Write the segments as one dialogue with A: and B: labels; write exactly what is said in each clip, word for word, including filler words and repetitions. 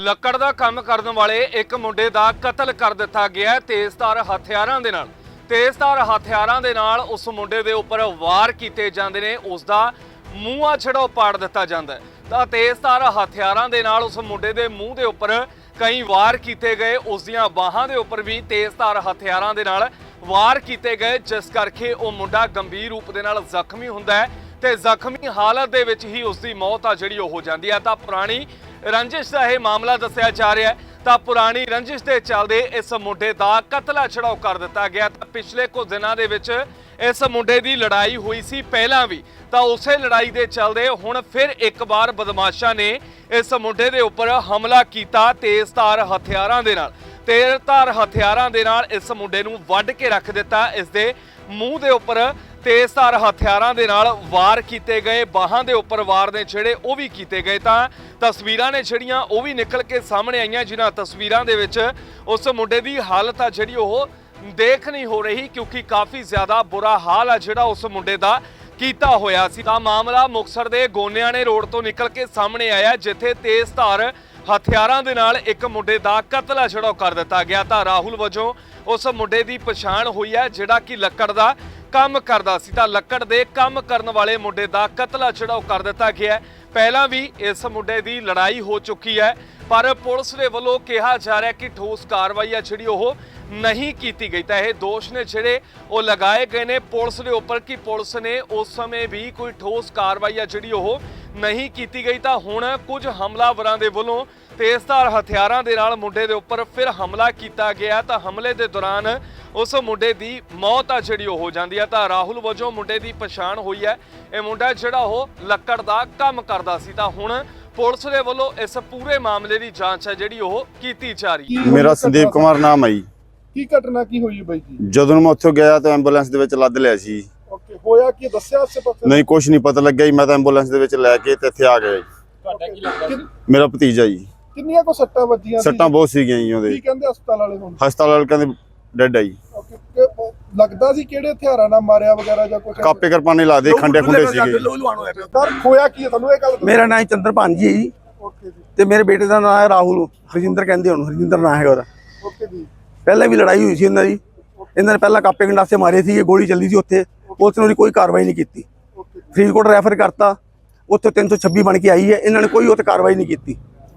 A: ਲੱਕੜ ਦਾ ਕੰਮ ਕਰਨ ਵਾਲੇ ਇੱਕ ਮੁੰਡੇ ਦਾ ਕਤਲ ਕਰ ਦਿੱਤਾ ਗਿਆ ਤੇਜ਼ਧਾਰ ਹਥਿਆਰਾਂ ਦੇ ਨਾਲ। ਤੇਜ਼ਧਾਰ ਹਥਿਆਰਾਂ ਦੇ ਨਾਲ ਉਸ ਮੁੰਡੇ ਦੇ ਉੱਪਰ ਵਾਰ ਕੀਤੇ ਜਾਂਦੇ ਨੇ, ਉਸ ਦਾ ਮੂੰਹ ਆ ਜਿਹੜਾ ਉਹ ਪਾੜ ਦਿੱਤਾ ਜਾਂਦਾ ਹੈ। ਤਾਂ ਤੇਜ਼ਧਾਰ ਹਥਿਆਰਾਂ ਦੇ ਨਾਲ ਉਸ ਮੁੰਡੇ ਦੇ ਮੂੰਹ ਦੇ ਉੱਪਰ ਕਈ ਵਾਰ ਕੀਤੇ ਗਏ, ਉਸ ਦੀਆਂ ਬਾਹਾਂ ਦੇ ਉੱਪਰ ਵੀ ਤੇਜ਼ਧਾਰ ਹਥਿਆਰਾਂ ਦੇ ਨਾਲ ਵਾਰ ਕੀਤੇ ਗਏ, ਜਿਸ ਕਰਕੇ ਉਹ ਮੁੰਡਾ ਗੰਭੀਰ ਰੂਪ ਦੇ ਨਾਲ ਜ਼ਖਮੀ ਹੁੰਦਾ ਹੈ ਤੇ ਜ਼ਖਮੀ ਹਾਲਤ ਦੇ ਵਿੱਚ ਹੀ ਉਸ ਦੀ ਮੌਤ ਆ ਜਿਹੜੀ ਉਹ ਹੋ ਜਾਂਦੀ ਹੈ। ਤਾਂ ਪੁਰਾਣੀ ਰੰਜਿਸ਼ ਦਾ ਇਹ ਮਾਮਲਾ ਦੱਸਿਆ ਜਾ ਰਿਹਾ ਹੈ। ਤਾਂ ਪੁਰਾਣੀ ਰੰਜਿਸ਼ ਦੇ ਚੱਲਦੇ ਇਸ ਮੁੰਡੇ ਦਾ ਕਤਲ ਛੜਾਓ ਕਰ ਦਿੱਤਾ ਗਿਆ। ਤਾਂ ਪਿਛਲੇ ਕੁਝ ਦਿਨਾਂ ਦੇ ਵਿੱਚ ਇਸ ਮੁੰਡੇ ਦੀ ਲੜਾਈ ਹੋਈ ਸੀ ਪਹਿਲਾਂ ਵੀ, ਤਾਂ ਉਸੇ ਲੜਾਈ ਦੇ ਚੱਲਦੇ ਹੁਣ ਫਿਰ ਇੱਕ ਵਾਰ ਬਦਮਾਸ਼ਾਂ ਨੇ ਇਸ ਮੁੰਡੇ ਦੇ ਉੱਪਰ ਹਮਲਾ ਕੀਤਾ ਤੇਜ਼ਧਾਰ ਹਥਿਆਰਾਂ ਦੇ ਨਾਲ। ਤੇਜ਼ਧਾਰ ਹਥਿਆਰਾਂ ਦੇ ਨਾਲ ਇਸ ਮੁੰਡੇ ਨੂੰ ਵੱਢ ਕੇ ਰੱਖ ਦਿੱਤਾ। ਇਸ ਦੇ ਮੂੰਹ ਦੇ ਉੱਪਰ ਤੇਜ਼ਧਾਰ ਹਥਿਆਰਾਂ ਦੇ ਨਾਲ ਵਾਰ ਕੀਤੇ ਗਏ, ਬਾਹਾਂ ਦੇ ਉੱਪਰ ਵਾਰ ਨੇ ਜਿਹੜੇ ਉਹ ਵੀ ਕੀਤੇ ਗਏ। ਤਾਂ ਤਸਵੀਰਾਂ ਨੇ ਜਿਹੜੀਆਂ ਉਹ ਵੀ ਨਿਕਲ ਕੇ ਸਾਹਮਣੇ ਆਈਆਂ, ਜਿਨ੍ਹਾਂ ਤਸਵੀਰਾਂ ਦੇ ਵਿੱਚ ਉਸ ਮੁੰਡੇ ਦੀ ਹਾਲਤ ਆ ਜਿਹੜੀ ਉਹ ਦੇਖ ਨਹੀਂ ਹੋ ਰਹੀ, ਕਿਉਂਕਿ ਕਾਫੀ ਜ਼ਿਆਦਾ ਬੁਰਾ ਹਾਲ ਆ ਜਿਹੜਾ ਉਸ ਮੁੰਡੇ ਦਾ ਕੀਤਾ ਹੋਇਆ ਸੀ। ਤਾਂ ਮਾਮਲਾ ਮੁਕਤਸਰ ਦੇ ਗੋਨਿਆਣੇ ਰੋਡ ਤੋਂ ਨਿਕਲ ਕੇ ਸਾਹਮਣੇ ਆਇਆ, ਜਿੱਥੇ ਤੇਜ਼ਧਾਰ ਹਥਿਆਰਾਂ ਦੇ ਨਾਲ ਇੱਕ ਮੁੰਡੇ ਦਾ ਕਤਲ ਛੜਾਓ ਕਰ ਦਿੱਤਾ ਗਿਆ। ਤਾਂ ਰਾਹੁਲ ਵਜੋਂ ਉਸ ਮੁੰਡੇ ਦੀ ਪਛਾਣ ਹੋਈ ਹੈ, ਜਿਹੜਾ ਕਿ ਲੱਕੜ ਦਾ ਕੰਮ ਕਰਦਾ ਸੀ। ਤਾਂ ਲੱਕੜ ਦੇ ਕੰਮ ਕਰਨ ਵਾਲੇ ਮੁੰਡੇ ਦਾ ਕਤਲ ਛੜਾਓ ਕਰ ਦਿੱਤਾ ਗਿਆ। ਪਹਿਲਾਂ ਵੀ ਇਸ ਮੁੰਡੇ ਦੀ ਲੜਾਈ ਹੋ ਚੁੱਕੀ ਹੈ, ਪਰ ਪੁਲਿਸ ਦੇ ਵੱਲੋਂ ਕਿਹਾ ਜਾ ਰਿਹਾ ਕਿ ਠੋਸ ਕਾਰਵਾਈ ਆ ਜਿਹੜੀ ਉਹ ਨਹੀਂ ਕੀਤੀ ਗਈ। ਤਾਂ ਇਹ ਦੋਸ਼ ਨੇ ਜਿਹੜੇ ਉਹ ਲਗਾਏ ਗਏ ਨੇ ਪੁਲਿਸ ਦੇ ਉੱਪਰ ਕਿ ਪੁਲਿਸ ਨੇ ਉਸ ਸਮੇਂ ਵੀ ਕੋਈ ਠੋਸ ਕਾਰਵਾਈ ਆ ਜਿਹੜੀ ਉਹ ਨਹੀਂ ਕੀਤੀ ਗਈ। ਤਾਂ ਹੁਣ ਕੁਝ ਹਮਲਾਵਰਾਂ ਦੇ ਵੱਲੋਂ ਤੇਜ਼ਧਾਰ ਹਥਿਆਰਾਂ ਦੇ ਨਾਲ ਮੁੰਡੇ ਦੇ ਉੱਪਰ ਫਿਰ ਹਮਲਾ ਕੀਤਾ ਗਿਆ। ਤਾਂ ਹਮਲੇ ਦੇ ਦੌਰਾਨ ਉਸ ਮੁੰਡੇ ਦੀ ਮੌਤ ਆ ਜਿਹੜੀ ਉਹ ਹੋ ਜਾਂਦੀ ਹੈ। ਤਾਂ ਰਾਹੁਲ ਵਜੋਂ ਮੁੰਡੇ ਦੀ ਪਛਾਣ ਹੋਈ ਹੈ। ਇਹ ਮੁੰਡਾ ਜਿਹੜਾ ਉਹ ਲੱਕੜ ਦਾ ਕੰਮ ਕਰਦਾ ਸੀ। ਤਾਂ ਹੁਣ ਪੁਲਿਸ ਦੇ ਵੱਲੋਂ ਇਸ ਪੂਰੇ ਮਾਮਲੇ ਦੀ ਜਾਂਚ ਹੈ ਜਿਹੜੀ ਉਹ ਕੀਤੀ ਜਾ ਰਹੀ ਹੈ।
B: ਮੇਰਾ ਸੰਦੀਪ ਕੁਮਾਰ ਨਾਮ ਹੈ ਜੀ।
C: ਕੀ ਘਟਨਾ ਕੀ ਹੋਈ ਬਾਈ ਜੀ?
B: ਜਦੋਂ ਮੈਂ ਉੱਥੋਂ ਗਿਆ ਤਾਂ ਐਂਬੂਲੈਂਸ ਦੇ ਵਿੱਚ ਲੱਦ ਲਿਆ ਸੀ।
C: ਓਕੇ, ਹੋਇਆ ਕੀ ਦੱਸਿਆ ਆਸੇ ਪਾਸੇ?
B: ਨਹੀਂ, ਕੁਝ ਨਹੀਂ ਪਤਾ ਲੱਗਿਆ ਜੀ। ਮੈਂ ਤਾਂ ਐਂਬੂਲੈਂਸ ਦੇ ਵਿੱਚ ਲੈ ਕੇ ਤੇ ਇੱਥੇ ਆ ਗਿਆ ਜੀ।
C: ਤੁਹਾਡਾ ਕੀ ਲੱਗਦਾ?
B: ਮੇਰਾ ਭਤੀਜਾ ਜੀ।
C: ਕਿੰਨੀਆਂ ਕੋ ਸੱਟਾਂ ਵੱਜੀਆਂ ਸੀ?
B: ਸੱਟਾਂ ਬਹੁਤ ਸੀਗੀਆਂ ਜੀ ਉਹਦੇ।
C: ਕੀ ਕਹਿੰਦੇ ਹਸਪਤਾਲ ਵਾਲੇ ਹੁਣ?
B: ਹਸਪਤਾਲ ਵਾਲੇ ਕਹਿੰਦੇ ਡੈਡ ਆ ਜੀ।
C: ਓਕੇ, ਤੇ ਲੱਗਦਾ ਸੀ ਕਿਹੜੇ ਹਥਿਆਰਾਂ ਨਾਲ ਮਾਰਿਆ ਵਗੈਰਾ ਜਾਂ ਕੁਝ?
B: ਕਾਪੇ ਕਰਪਾਨੇ ਲਾ ਦੇ, ਖੰਡੇ ਖੁੰਡੇ ਸੀਗੇ।
C: ਸਰ ਹੋਇਆ ਕੀ ਹੈ ਤੁਹਾਨੂੰ ਇਹ ਗੱਲ?
D: ਮੇਰਾ ਨਾਮ ਚੰਦਰਪਾਨ ਜੀ ਹੈ ਜੀ।
C: ਓਕੇ ਜੀ।
D: ਤੇ ਮੇਰੇ ਬੇਟੇ ਦਾ ਨਾਮ ਹੈ ਰਾਹੁਲ, ਹਰਜਿੰਦਰ ਕਹਿੰਦੇ ਉਹਨੂੰ, ਹਰਜਿੰਦਰ ਨਾਂ ਹੈਗਾ ਉਹਦਾ।
C: ਓਕੇ ਜੀ।
D: ਪਹਿਲਾਂ ਵੀ ਲੜਾਈ ਹੋਈ ਸੀ ਇਹਨਾਂ ਦੀ। ਇਹਨਾਂ ਨੇ ਪਹਿਲਾਂ ਕਾਪੇ ਗੰਡਾਸੇ ਮਾਰੇ ਸੀ, ਗੋਲੀ ਚੱਲੀ ਸੀ ਉੱਥੇ। ਪੁਲਿਸ ਨੇ ਉਹਦੀ ਕੋਈ ਕਾਰਵਾਈ ਨਹੀਂ ਕੀਤੀ। ਫਰੀਦਕੋਟ ਰੈਫਰ ਕਰਤਾ, ਉੱਥੇ ਤਿੰਨ ਸੌ ਛੱਬੀ ਬਣ ਕੇ ਆਈ ਹੈ। ਇਹਨਾਂ ਨੇ ਕੋਈ ਉੱਥੇ ਕਾਰਵਾਈ ਨਹੀਂ ਕੀਤੀ।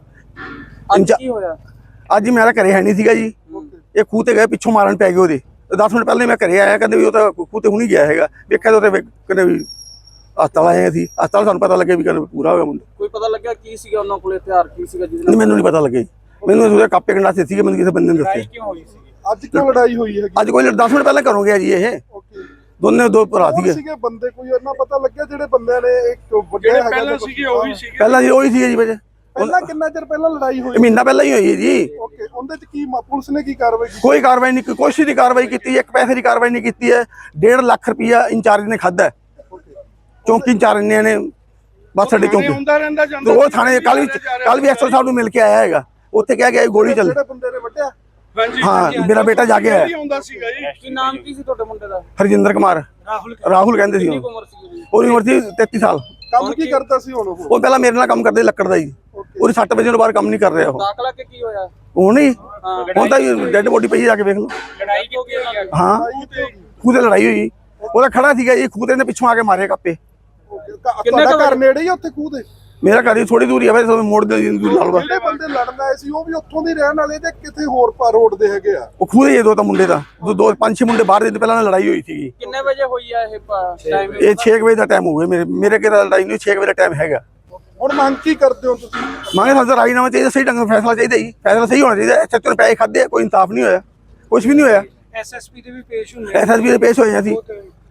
C: ਅੱਜ ਕੀ ਹੋਇਆ?
D: ਅੱਜ ਹੀ ਮੇਰਾ ਘਰੇ ਹੈ ਨਹੀਂ ਸੀਗਾ ਜੀ। ਇਹ ਖੂਹ ਤੇ ਗਏ, ਪਿੱਛੋਂ ਮਾਰਨ ਪੈ ਗਏ ਉਹਦੇ। ਦਸ ਮਿੰਟ ਪਹਿਲਾਂ ਮੈਂ ਘਰੇ ਆਇਆ, ਕਹਿੰਦੇ ਵੀ ਉਹ ਤਾਂ ਖੂਹ ਤੇ ਹੁਣੀ ਗਿਆ ਹੈਗਾ। ਵੇਖਿਆ ਤਾਂ ਉੱਥੇ ਕਹਿੰਦੇ ਵੀ ਹਸਪਤਾਲ ਆਏ ਸੀ। ਹਸਪਤਾਲ ਸਾਨੂੰ ਪਤਾ ਲੱਗਿਆ ਵੀ ਕਹਿੰਦੇ ਪੂਰਾ ਹੋ ਗਿਆ ਮੁੰਡਾ।
E: ਕੋਈ ਪਤਾ ਲੱਗਿਆ ਕੀ ਸੀਗਾ ਉਹਨਾਂ ਕੋਲ, ਹਥਿਆਰ ਕੀ ਸੀਗਾ ਜਿਹਦੇ
D: ਨਹੀਂ, ਮੈਨੂੰ ਨਹੀਂ ਪਤਾ ਲੱਗਿਆ। ਮੈਨੂੰ ਉਹਦੇ ਕਾਪੇ ਗੰਡਾਸੇ ਸੀਗੇ, ਮੈਨੂੰ ਕਿਸੇ ਬੰਦੇ ਨੇ ਦੱਸੇ।
E: ਕਿਉਂ ਹੋਈ ਸੀ?
C: ਅੱਜ ਕਿਉਂ ਲੜਾਈ ਹੋਈ ਹੈਗੀ?
D: ਅੱਜ ਕੋਈ ਦਸ ਮਿੰਟ ਪਹਿਲਾਂ ਘਰੋਂ ਗਿਆ ਜੀ। ਇਹ
C: ਓਕੇ,
D: ਦੋਨੇ ਦੋ ਭਰਾ ਸੀਗੇ।
C: ਸੀਗੇ ਬੰਦੇ, ਕੋਈ ਇਹਨਾਂ ਪਤਾ ਲੱਗਿਆ ਜਿਹੜੇ ਬੰਦਿਆਂ ਨੇ ਇੱਕ ਵੱਡੇ ਹੈਗਾ? ਪਹਿਲਾਂ ਸੀਗੇ ਉਹੀ ਸੀਗੇ।
D: ਪਹਿਲਾਂ ਜੀ ਉਹੀ ਸੀਗੇ ਜੀ। ਵਜੇ
C: ਪਹਿਲਾਂ ਕਿੰਨਾ ਚਿਰ ਪਹਿਲਾਂ ਲੜਾਈ ਹੋਈ?
D: ਮਹੀਨਾ ਪਹਿਲਾਂ ਹੀ ਹੋਈ ਹੈ ਜੀ।
C: ਓਕੇ, ਉਹਦੇ ਚ ਕੀ ਪੁਲਿਸ ਨੇ ਕੀ ਕਾਰਵਾਈ ਕੀਤੀ?
D: ਕੋਈ ਕਾਰਵਾਈ ਨਹੀਂ, ਕੋਈ ਦੀ ਕਾਰਵਾਈ ਕੀਤੀ, ਇੱਕ ਪੈਸੇ ਦੀ ਕਾਰਵਾਈ ਨਹੀਂ ਕੀਤੀ ਹੈ। ਡੇਢ ਲੱਖ ਰੁਪਇਆ ਇੰਚਾਰਜ ਨੇ ਖਾਧਾ, ਚੌਂਕੀ ਇੰਚਾਰਜ ਨੇ। ਬਸ ਸਾਡੇ ਚੌਂਕੀ ਉਹ ਥਾਣੇ ਕੱਲ ਵੀ ਕੱਲ ਵੀ ਐਸਓ ਸਾਹਿਬ ਨੂੰ ਮਿਲ ਕੇ ਆਇਆ ਹੈਗਾ। ਉੱਥੇ ਕਹਿ ਗਿਆ ਗੋਲੀ ਚੱਲ।
C: ਜਿਹੜੇ ਬੰਦੇ ਨੇ ਵੱਢਿਆ?
D: ਹਾਂ, ਮੇਰਾ ਬੇਟਾ ਜਾ ਕੇ ਆਇਆ।
E: ਕੀ ਨਾਮ ਕੀ ਸੀ ਤੁਹਾਡੇ ਮੁੰਡੇ ਦਾ?
D: ਹਰਜਿੰਦਰ ਕੁਮਾਰ, ਰਾਹੁਲ ਕਹਿੰਦੇ ਸੀ।
E: ਕਿੰਨੀ ਉਮਰ ਸੀ ਉਹਦੀ?
D: ਉਹਦੀ ਉਮਰ ਸੀ ਤੇਤੀ ਸਾਲ।
C: ਕੰਮ ਕੀ ਕਰਦਾ ਸੀ ਹੁਣ ਉਹ?
D: ਉਹ ਪਹਿਲਾਂ ਮੇਰੇ ਨਾਲ ਕੰਮ ਕਰਦੇ ਲੱਕੜ ਦਾ ਜੀ। ਉਹਦੀ ਸੱਟ ਵਜੇ ਤੋਂ ਬਾਅਦ ਕੰਮ ਨਹੀਂ ਕਰ ਰਿਹਾ ਉਹ।
E: ਦਾਖਲਾ ਕਿ ਕੀ ਹੋਇਆ?
D: ਉਹ ਨਹੀਂ ਹੁਣ ਤਾਂ ਡੈਡ ਬੋਡੀ ਪਈ ਜਾ ਕੇ ਵੇਖ ਲਓ।
E: ਲੜਾਈ ਕਿਉਂ ਹੋਈ?
D: ਹਾਂ, ਖੂਹ ਤੇ ਲੜਾਈ ਹੋਈ। ਉਹਦਾ ਖੜਾ ਸੀਗਾ ਜੀ, ਖੂਹ ਤੇ ਪਿੱਛੋਂ ਆ ਕੇ ਮਾਰੇ ਕਾਪੇ।
C: ਤੁਹਾਡਾ ਘਰ ਨੇੜੇ ਹੀ ਉੱਥੇ ਖੂਹ ਦੇ?
D: ਮੇਰਾ ਘਰ ਹੀ ਥੋੜੀ ਦੂਰੀ ਹੈ, ਵੈਸੇ ਮੋੜ ਦੇ ਲਾਲੂਗਾ।
C: ਜਿਹੜੇ ਬੰਦੇ ਲੜਨ ਆਏ ਸੀ ਉਹ ਵੀ ਉੱਥੋਂ ਦੇ ਰਹਿਣ ਵਾਲੇ ਤੇ ਕਿਤੇ ਹੋਰ ਪਾ ਰੋਡ ਦੇ ਹੈਗੇ ਆ?
D: ਉਹ ਖੂਹ ਦੇ ਦੋ ਤਾਂ ਮੁੰਡੇ ਦਾ ਦੋ ਪੰਜ ਛੇ ਮੁੰਡੇ ਬਾਹਰ ਦੇ ਪਹਿਲਾਂ ਲੜਾਈ ਹੋਈ ਸੀਗੀ।
E: ਕਿੰਨੇ ਵਜੇ ਹੋਈ ਆ ਇਹ ਟਾਈਮ?
D: ਇਹ ਛੇ ਵਜੇ ਦਾ ਟਾਈਮ ਹੋ ਗਿਆ। ਮੇਰੇ ਮੇਰੇ ਕਿਹੜਾ ਲੜਾਈ ਨਹੀਂ, ਛੇ ਵਜੇ ਦਾ ਟਾਈਮ ਹੈਗਾ।
C: ਹੁਣ ਮੰਗ ਕੀ ਕਰਦੇ ਹੋ ਤੁਸੀਂ?
D: ਮੰਗੇ ਸਾਨੂੰ ਰਾਜੀਨਾਮਾ ਚਾਹੀਦਾ, ਸਹੀ ਢੰਗ ਨਾਲ ਫੈਸਲਾ ਚਾਹੀਦਾ ਜੀ। ਫੈਸਲਾ ਸਹੀ ਹੋਣਾ ਚਾਹੀਦਾ। ਐਸਐਚਓ ਨੇ ਪੈਸੇ ਖਾਦੇ, ਕੋਈ ਇਨਸਾਫ ਨਹੀਂ ਹੋਇਆ, ਕੁਝ ਵੀ ਨਹੀਂ ਹੋਇਆ।
E: ਐਸਐਸਪੀ ਦੇ ਵੀ ਪੇਸ਼ ਹੁੰਦੇ
D: ਐਸਐਸਪੀ ਦੇ ਪੇਸ਼ ਹੋਏ ਅਸੀਂ।